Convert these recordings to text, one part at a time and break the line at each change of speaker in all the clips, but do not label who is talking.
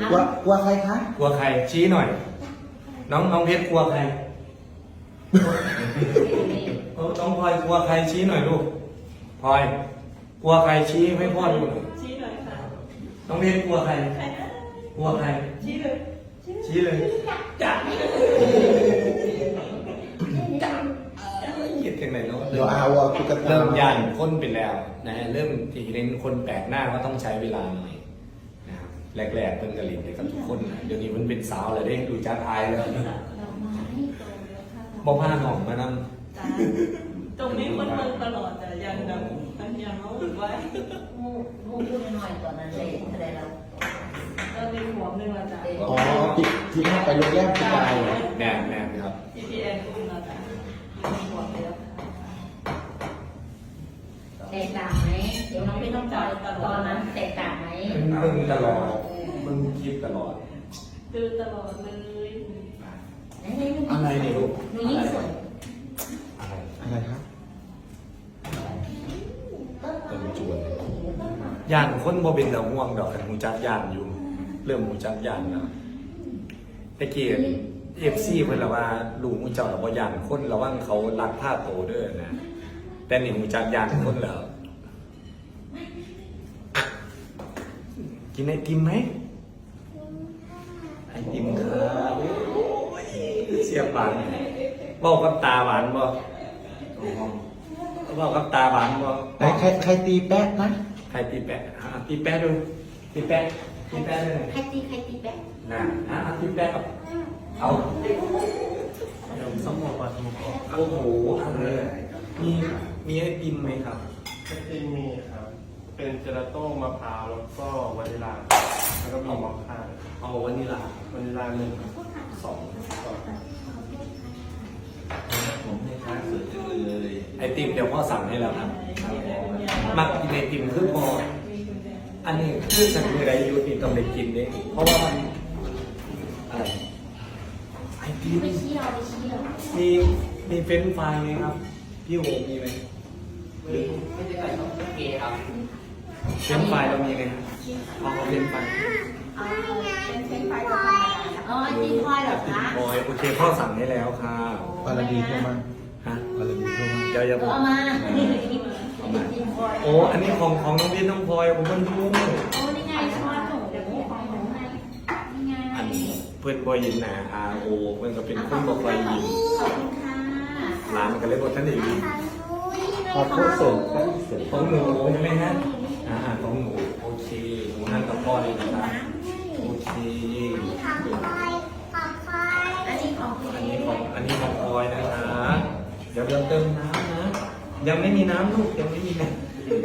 กลัวใครคะ
กลัวใครชี้หน่อย น้องเพชรกลัวใครน้องพลอยกลัวใครชี้หน่อยลูกพลอยกลัวใครชี้ให้พ่อดูหน่อย
ชี้หน่อยค่ะ
น้องเพชรกลัวใครกลัวใคร
ชี้เลย
ชี้เลยจัดคิดถึงไหนเนาะ
เดี๋ยวเอาตุ๊กตา
เริ่มย่านคนไปแล้วนะเริ่มที่เห็นคนแปลกหน้าก็ต้องใช้เวลาหน่อยนะครับแรกๆเพิ่งกระลิ่นเลยกับทุกคนนะเดี๋ยวนี้มันเป็นสาวเลยได้ดูจ้าทายแล้วบอกผ้าหนองมานั่ง
ตรงนี้คนเมืองตลอดแต่ยังแบบยังเอาไว้
มูพูดหน่อยตอนนั้นเลยแสดงเรา
มีหัวหนึ่งละจ้ะ
อ๋อที่เข้าไปโรงแรมที่ไกล
แน่ครับ
TPN คุณละจ้ะมีหัวไปแล้ว
แตกต่างไหมเดี๋ยวน้องพี่ต้องจอยตอนนั้นแตกต่างไหม
มึงตลอดมึงคิดตลอด
ดูตลอดเลย
อะไรเนี่ยลูก
หนูยิ่งสวย
อะไร
อะไรครับ
เป็นจวนย่านคนบ่เป็นดอกห่วงดอกกันหูจักย่านอยู่ เริ่มหูจักย่านแล้วตะเกียบFC เพิ่นละว่าลุงหูเจ้าละบ่ย่านคนระวังเขาลักผ้าโตเด้อนะแต่นี่หูจักย่านคนแล้วกินไอติมไหมไอติมครับโอ้ยเสียบหวานบอกกับตาหวานบ่บอกกับตาหวานบ่
ไหนใครตีแป๊ะนะ
ใครตีแปะตีแปะดูตีแปะด้วย
ใครตีแป๊ะ
นะตีแปะกับเอาสมองปลาทูโอ้โหมีไอติมไหมครับ
ไอติมมีครับ เป็นเจลาโต้มะพร้าวแล้วก็วานิลา แล้วก็มีมอคค่า
เอาวานิลาว
านิลาหนึ่ง
สอง
ผมให้ค้าสุดเลย
ไอติมเดี๋ยวพ่อสั่งให้แล้วครับมักกินไอติมคือพออันนี้คือสั่งมือไรยูนี่ต้องไปกินเนี่ยเพราะว่ามันอะไรไอติม
ไปเที่ยว
มีเฟรนช์ฟรายไหมครับพี่โอมีไหม
ไม่ได้ใส่ต้องเกย์ครับ
เฟรนช์ฟรายเรามีไหมครับเอาเฟรนช์ฟราย
เป็นเส้นไฟธรรมดา
อ๋อตีพลอยเหรอคะ
บอยโอเคพ่อสั่งให้แล้วค่ะ
วาลดีโทรมา
ฮะ
วาลดีโทรมา
เดี๋ยวอย่าบ
ก็
อก
เอามาตีพลอย
โอ้อันนี้ของน้องพีน้องพลอยผมมันรู้
โอ้นี่ไงช้อนหนูเดี๋ยวของหนูให้นี่ไง
อันเพื่อนบอยยินนะRO เพื่อนก็เป็นคนบอกไปยิน
ขอบคุณค่ะ
ร้านมันก็เลยบอกท่านเอง
ขอโทษเสริมก็เสริม
ของหนูใช่ไหมฮะของหนูโอเคหนูนั่งกับพ่อเลยนะครับโอเค อันนี้ของพลอยนะคะเดี๋ยวเราเติมน้ำนะยังไม่มีน้ำลูกยังไม่มีน้ำ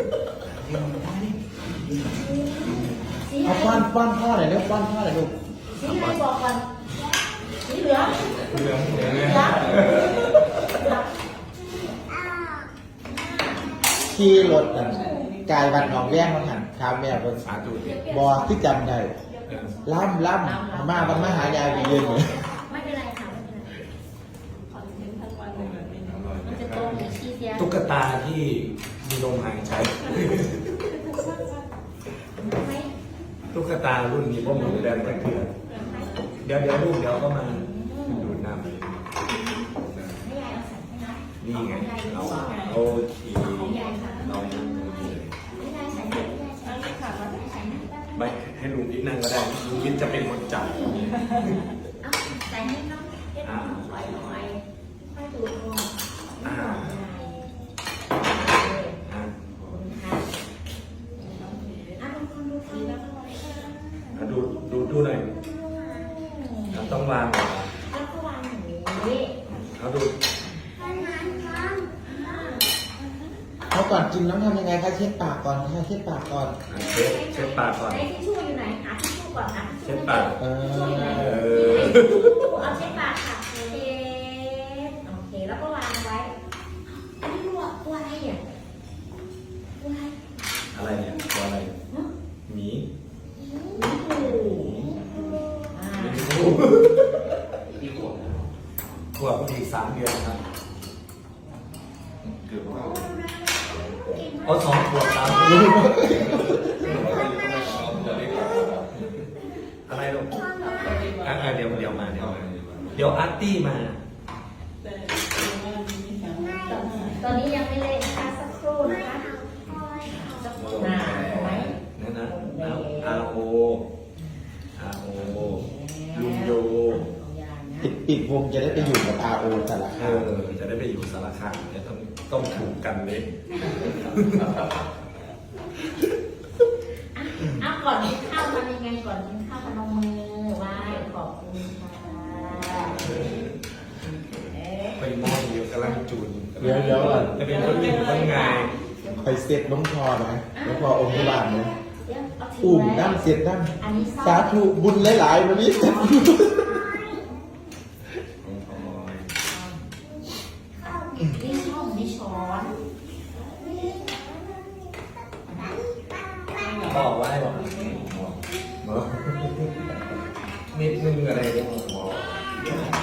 เอาป้อนพ่อหน่อยเร็วป้อนพ่อหน่อยลูก
สีเหลืองบอกก่อนสีเหลือง
เหลืองเนี่ย
ขี่รถกันกายบันหนองแย่งมาหันทำแม่บน
สาธุเด็ก
บอที่จำได้ล่ำมาบันมาหายายไปยืนเลย
ไม่เป็นไรค่ะไม่เป็นไร
คอนเทนต์ทั้งวันเลยแบบนี้
มันจะตรงหรือชี้เสีย
ตุ๊กตาที่มีลมหายใจ
ไม่
ตุ๊กตารุ่นนี้พ่อหมูแดงตะเกียบเดี๋ยวลูกเดี๋ยวก็มาดูดน้ำ
ไม่ยายเอาใส่ให้นะ
นี่ไงเราโอเคเรายังดูเลย
ไม่ยายใส่ให้ไม่ยายใส่
อันนี้ค่ะว่า
ใส่นะ
ไม่ให้ลุงพิษนั่งก็ได้ลุงพิษจะเป็นคนจ่าย
เอาใส่ให้น้องเก็บหอยค่อยดูตรง
อ่า ดูหน่อยต้องวาง
แล้วก็วางอย่างนี้
เขาดู
เขาก่อนกินน้ำทำยังไงคะเช็ดปากก่อนค่ะเช็ดปากก่อน
เช็ดปากก่อน
ไอ้ทิชชู่อยู่ไหนหาทิชชู่ก่อนนะ
เช็ดปาก
เอาเช็ดปากค่ะเช็ดโอเคแล้วก็วางไว้อันนี้ตัวอะไรอ่ะตัวอะไร
อะไรเนี่ยตัวอะไรหมี
ที่หัว
ขวบอีก3 เดือนครับ
เกือบเข้า
เอา2 ขวบ3 เดือนอะไรลูกดี๋ยวอาร์ตี้มา
แต่ว่ามีแถวนั้น
ตอนนี้ยังไม่เล่นนะคะสักครู่นะคะสักครู่นะถูกไหม
นั่นนะอาโอลุงโย
ปิดวงจะได้ไปอยู่กับ RO แต่ละครั้ง
จะได้ไปอยู่สารคามเนี่ยต้องถูกกันเลย
ก่อนกินข้าวทำยังไงก่อนกินข้าวพนมมือไหว้ขอบคุณค่ะ
ไปมองอยู่กำลังจูน
เดี๋ยวก่อน
จะเป็นคนอยู่ข้างใน
ไปเซ็ตน้องพอนะน้องพอองค์ที่บ้านนะ
เดี๋ยวเอาถื
อุ่ม
ไว้
น้ำเสียดน้
อันนี้
ำสาธุบุญหลายๆวันนี้
นี่ช่องนี่ช้อน
บอกว่าให้บอกนิดนึงอะไรเนี่ย